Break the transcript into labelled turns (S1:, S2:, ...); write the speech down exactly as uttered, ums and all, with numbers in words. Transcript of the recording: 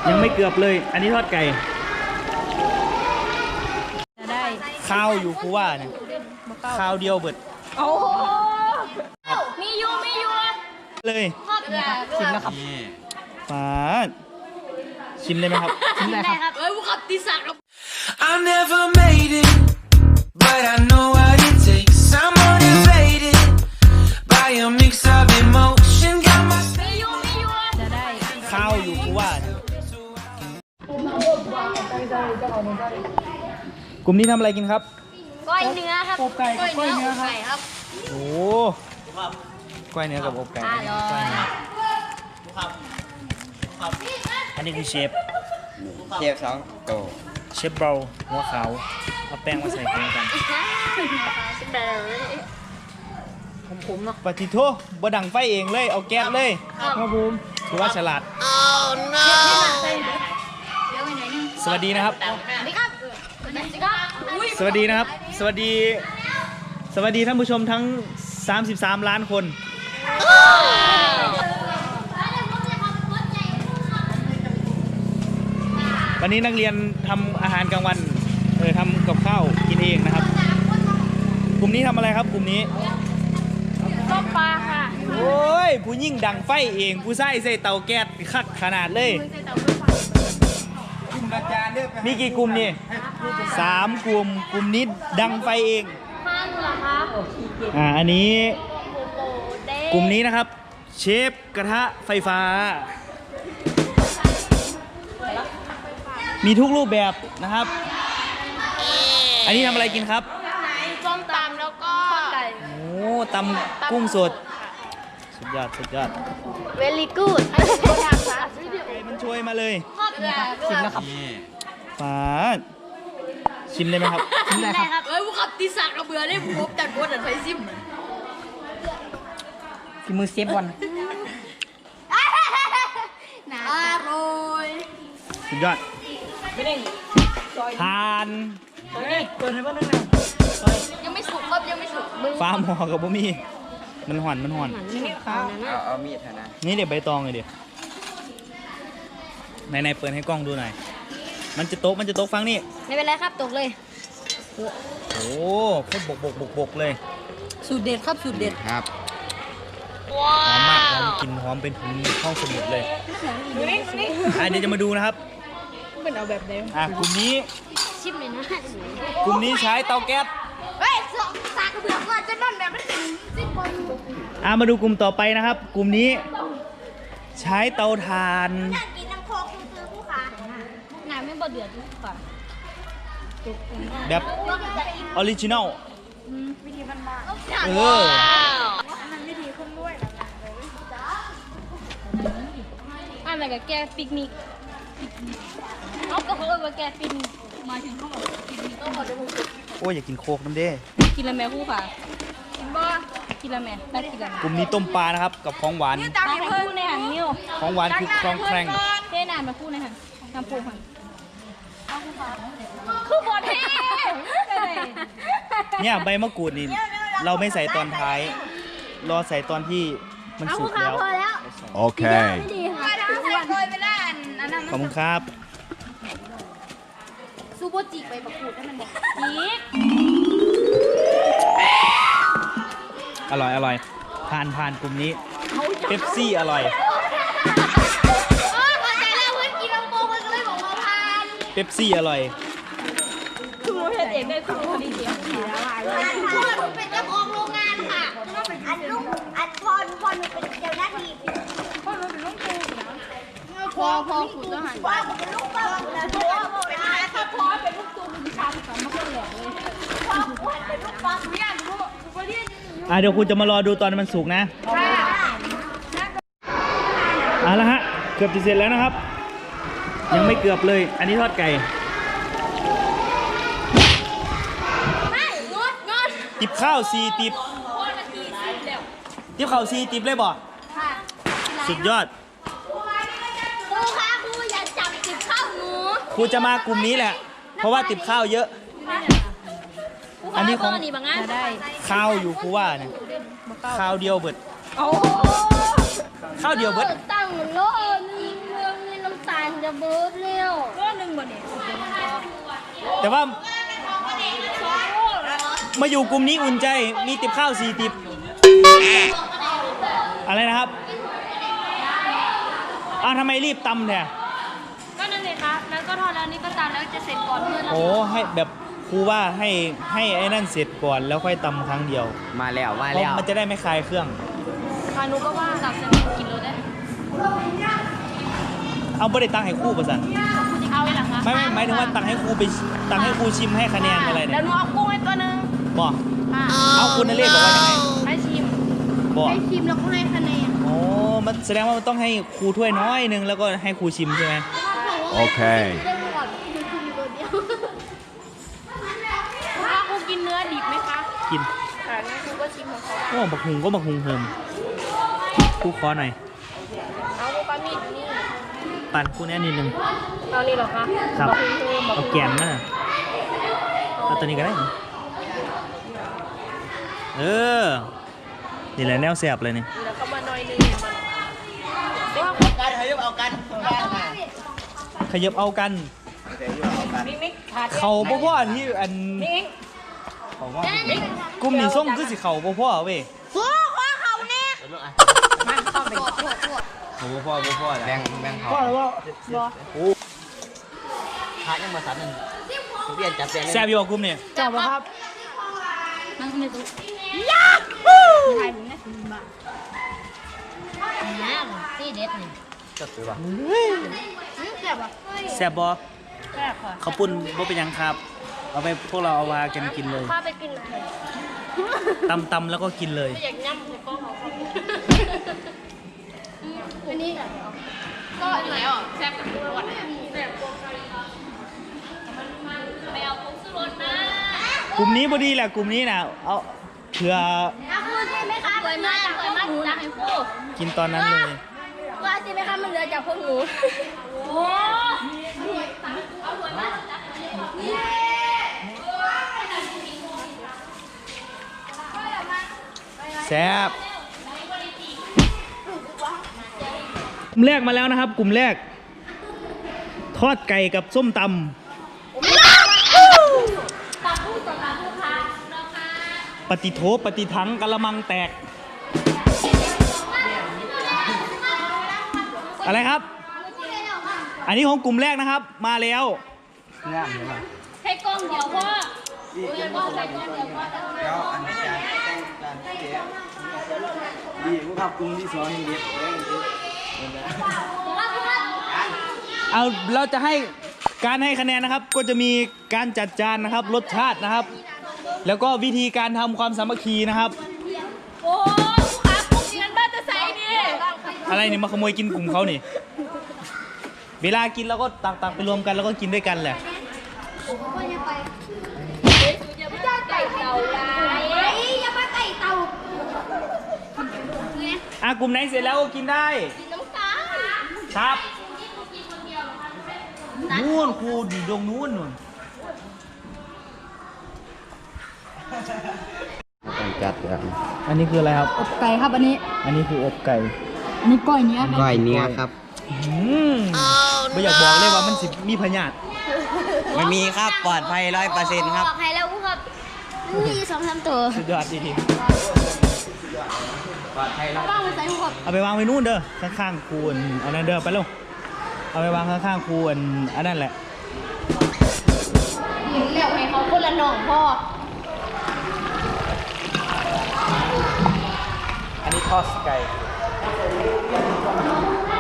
S1: ยังไม่เกือบเลยอันนี้ทอดไก่
S2: จะได้
S1: ข้าวอยู่กูว่าเนี่ยข้าวเดียวเบิด
S2: โอ้มีอยู่มีอยู่
S1: เลยชิมนะครับฟ้าชิมได้ไหมครับชิมได้ครับ
S2: เอ้ยบุกติศักดิ์
S3: I never made it but I know what it takes I'm motivated by a mix of emotion got my
S2: มีอยู่มีอยู่จะได้
S1: ข้าวอยู่กูว่าเนี่ยกลุ่มนี้ทำอะไรกินครับ
S2: ก้อยเนื้อครับ
S1: อบไก่ก้อยเนื้อ
S2: ครับ
S1: โอ้ก้อยเนื้อกับอบไก่ก้อยเนื้ออันนี้คือเชฟ
S4: เชฟสองโต
S1: เชฟเบาหัวขาวเอาแป้งมาใส่กันกัน
S2: ผมๆเนาะ
S1: ปฏิโทบ่ดังไฟเองเลยเอาแก๊สเลยครับผมถือว่าฉลาดสวัสดีนะครับสวัสดีนะครับสวัสดีสวัสดีท่านผู้ชมทั้งสามสิบสามล้านคนวันนี้นักเรียนทำอาหารกลางวันเออทำกับข้าวกินเองนะครับกลุ่มนี้ทำอะไรครับกลุ่มนี้
S2: ต้มปลาค่ะ
S1: โอ้ยผู้ยิ่งดังไฟเองผู้ใส่ใส่เตาแก๊สคักขนาดเลยมีกี่กลุ่มนี่สามกลุ่มกลุ่มนี้ดังไฟเอง
S2: ห้าเหรอคะ
S1: อ่าอันนี้กลุ่มนี้นะครับเชฟกระทะไฟฟ้ามีทุกรูปแบบนะครับอันนี้ทำอะไรกินครับ
S2: ส้มตำแล้วก็ไก่
S1: โอ้ตำกุ้งสดสุดยอดสุดยอด
S2: very good ไ
S1: ก่มันช่วยมาเลย
S2: ชิมนะครับ
S1: ฟ้าชิมได้ไหมครับ
S2: ชิมได้ครับเอ้ยบุกติศักดิ์เราเบื่อได้บุกจัดบดจัดไฟซิม
S1: ฝีมือเชฟบอล
S2: อร่อย
S1: สุดยอดทาน
S2: เปิดให้บ้านนึงนะยังไม่สุกครับยังไม่สุก
S1: ฟ้าหมอกับบ่มีมันห่อนมันห่อน
S4: เอาเอามีดนะ
S1: นี่เดี๋ยวใบตองเลยเดี๋ยวไหนไหนเปิดให้กล้องดูหน่อยมันจะโต๊ะมันจะโต๊ะฟังนี่
S2: ไม่เป็นไรครับตกเลย
S1: โอ้โคตรบกบกบกบกเลย
S2: สูตรเด็ดครับสูตรเด็ด
S4: ครับ
S1: หอมมากหอมกินหอมเป็นถึงห้องสมุดเลยอ่ะเดี๋ยวจะมาดูนะครับ
S2: เป็นเอาแบบเดิม
S1: อ่ะกลุ่มนี้
S2: ชิมเลยนะ
S1: กลุ่มนี้ใช้เตาแก๊ส
S2: เฮ้ยสากกระเบือก่อนจะนั่นแบบไม่ถึงสิบคน
S1: อ่ะมาดูกลุ่มต่อไปนะครับกลุ่มนี้ใช้เตาถ่าน
S2: อยากกินน้ำโคกคือผู้ขาหนาไม่บ่เดือดผู้ขา
S1: แบบออริจินอล
S2: วิธีมันมา
S1: เออ
S2: มันวิธีคนด้วยอันไหนกับแกปิกนิกเอาก็เขาเออแกปิกนิกมาถึงเขาบอกปิกนิกก็พอจะพูด
S1: โอ้ยอยากกินโคกน้ำเด้
S2: กินละแม่ผู้ขากินบ่กินละแม่ได้กินละ
S1: กลุ่มนี้ต้มปลานะครับกับของหวาน
S2: ตามไปคู่ในหันนิ้ว
S1: ของหวานคือคลองแคร่ง
S2: เท่นานมาคู่ในหันน้ำปูหันคือบอดเท่
S1: เนี่ยใบมะกรูดนี่เราไม่ใส่ตอนท้ายรอใส่ตอนที่มันสุกแล้ว
S4: โอเค
S1: ขอบคุณครับ
S2: ซูโบจิใบมะกรูดให้มันบอกจิก
S1: อร่อยอร่อยผ่านผ่านกลุ่มนี้เป๊ปซี่อร่อยเป๊ปซี่อร่อย
S2: คือโมเห็นเองได้คือโมดีเดียวพ่อหนูเป็นเจ้าของโรงงานค่ะอันลูกอันพ่อหนูพ่อหนูเป็นเจ้าหน้าที่พ่อหนูเป็นลูกครูนะพ่อพ่อครูทหารพ่อเป็นลูกพ่อแล้วพ่อเป็นอะไรถ้าพ่อเป็นลูกตูนดิฉันสามารถแหลกเลยพ่อเป็นลูกปลาสุริยันลูกสุริยัน
S1: อ่ะเดี๋ยวคุณจะมารอดูตอนมันสุกนะเอาละฮะเกือบจะเสร็จแล้วนะครับยังไม่เกือบเลยอันนี้ทอดไก่ติบข้าวซีติบติบข้าวซีติบเลยบ่สุดยอด
S2: ครูคะครูอย่าจับติบข้าวหนู
S1: ครูจะมากลุ่มนี้แหละเพราะว่าติบข้าวเยอะอันนี้ของข้าวอยู่ครูว่าเนี่ยข้าวเดียวเบิดข้าวเดียวเบิด
S2: ตั้งโลนึงเมืองในน้ำตาลจะเบิร์ดเร็วก็หนึ่งบนเนี่ย
S1: แต่ว่ามาอยู่กลุ่มนี้อุ่นใจมีติบข้าวสี่ติบอะไรนะครับอ้าวทำไมรีบตำแท้
S2: ก็นั่นเลยครับแล้วก็ทอดแล้วนี่ก็ตามแล้วจะเสร็จก่อนเพื่อนเรา
S1: โอ้ให้แบบครูว่าให้ให้ไอ้นั่นเสร็จก่อนแล้วค่อยตำครั้งเดียว
S4: มาแล้วมา
S1: เพราะ
S4: แล้ว
S1: มันจะได้ไม่คลายเครื่อง
S2: พานุก็ว่าตับจะมีกินเลยได้
S1: เอาไม่ได้ตังให้ครูประสัน
S2: เอาไว้หรอคะ
S1: ไม่ไม่หมายถึงว่าตังให้ครูไปตังให้ครูชิมให้คะแนนอะไร
S2: แล้
S1: เนี่
S2: วย หนูเอากุ้งให้ตัวนึง
S1: บอก
S2: ค่ะ
S1: เอาคุณนเรศบอกว่ายังไง
S2: ให้ชิม
S1: บอก
S2: ให้ชิมแล้วก็ให้คะแนน
S1: โอ้มันแสดงว่ามันต้องให้ครูถ้วยน้อยหนึงแล้วก็ให้ครูชิมใช่ไหม
S4: Okay
S2: ถ้าครูกินเนื้อดิบไหมคะ
S1: กิน
S2: ค่ะงั้นครูก็ชิมของเขา
S1: โอ้บักหุงก็บักหุงเฮิมครูขอหน่อย
S2: เอาครูปลามีดนี่
S1: ปั่นครูแน่นิดนึง
S2: เอานี่เหรอคะ
S1: ครับ
S2: อกณครูบอก
S1: เอาแกนมาเอาตัวนี้ก็ได้เออนี่แหละแนวแสบเลยนี่
S2: แล้วก็มาหน่อยนึงเนี่ยมันว่า
S4: การขยับเอากัน
S1: ขยับเอากัน
S2: มิกมิกขาด
S1: เขาบ่พ่อที่อัน
S2: มิก
S1: กลุ่มนี้ส่งคือสิเขาบ่พ่อเว้ย
S2: ครูคว้าเขาเนี่ยมาเข้าไป
S4: โอ้พ่อพ่อแบ่งแบ่งเขา
S1: พ่อแล้วว่า
S4: พายังมาสันนึงเปลี่ยนจับเปลี่ยน
S1: แสบอยู่กับกลุ่มนี่
S2: จบแล้วครับนั่งในตู้ยาไทยผมเนี่ยบ้าน้ำที่เด็ดนี่
S4: จับตัว
S2: แซ่บอ่ะ
S1: แสบบ่
S2: แซ่บค่ะ
S1: เขาวปุ้นบ่เป็นหยังครับ เอาไปพวกเราเอาวากันกินเลย
S2: ข้าไปกินเลย
S1: ตำตำแล้วก็กินเลย
S2: ไม่อยากย่ำเลยก็เขาอันนี้ก็อันไหนอ่ะแซ่บกับทุกวันแซ่บไม่เอาผงชูรสนะ
S1: กลุ่มนี้พอดีแหละกลุ่มนี้นะเอาเผื่อ
S2: เอาพูดใช่ไหมคะเคยมาจากเคยมาจากไอ้พูด
S1: กินตอนนั้นเลย
S2: ว่าใช่ไหมคะมันเหลือจากพวกหนูโอ้
S1: แซ่บกลุ่มแรกมาแล้วนะครับ กลุ่มแรก ทอดไก่กับส้มต
S2: ตาพูดต่อตาพูดค่ะ
S1: ำปฏิโถปฏิทังกะละมังแตก อะไรครับ อันนี้ของกลุ่มแรกนะครับ มาแล้ว
S4: งามเลย
S2: ให้กล้องเดียวพ่อเดี๋ยวพ่อใส่กล้องเดียวพ่อ
S4: แล้วอันนี้จานต้องจานเจ๊ดีผู้ขับกรุงที่สองนี่เด็ดเลย
S1: เอาเราจะให้การให้คะแนนนะครับ ก็จะมีการจัดจานนะครับ รสชาตินะครับ แล้วก็วิธีการทำความสามัคคีนะครับ
S2: โอ้ลูกค้าพวกนั้นบ้านจะใส่ดิ
S1: อะไรนี่มาขโมยกินกลุ่มเขานี่ เวลากินเราก็ตักตักไปรวมกันแล้วก็กินด้วยกันแหละ
S2: พ่อจะไปอย่าไปไก่เต่าลายอย่าไปไก่เต่าเนี่ย
S1: อ่ะกลุ่มไหนเสร็จแล้วก็กินได้
S2: กินน้ำตาล
S1: ครับนู่นครูอยู่ตรงนู้นนู่น
S4: ต้องจัดครับ
S1: อันนี้คืออะไรครับ
S2: อบไก่ครับอันนี้
S1: อันนี้คืออบไก่
S2: อันนี้ก้อยเนื้อ
S4: ก้อยเนื้อครับ
S1: อืมไม่อยากบอกเลยว่ามันสิมีพยาธิ
S4: ไม่มีครับปลอดภัยร้อยเปอร์เซ็นต์ครับ
S2: ปลอดภัยแล้วครับมีสองสามตัว
S1: สุดยอดดีที
S4: ปลอดภัยร้อย
S2: บ้างไปใส่หัว
S1: เอาไปวางไว้นู่นเด้อข้างๆครูอันอันนั้นเด้อไปเร็วเอาไปวางข้างๆครูอันอันนั้นแหละ
S2: เรียกให้เขาคนละหน่องพ่อ
S1: อันนี้ทอดไก่
S2: อ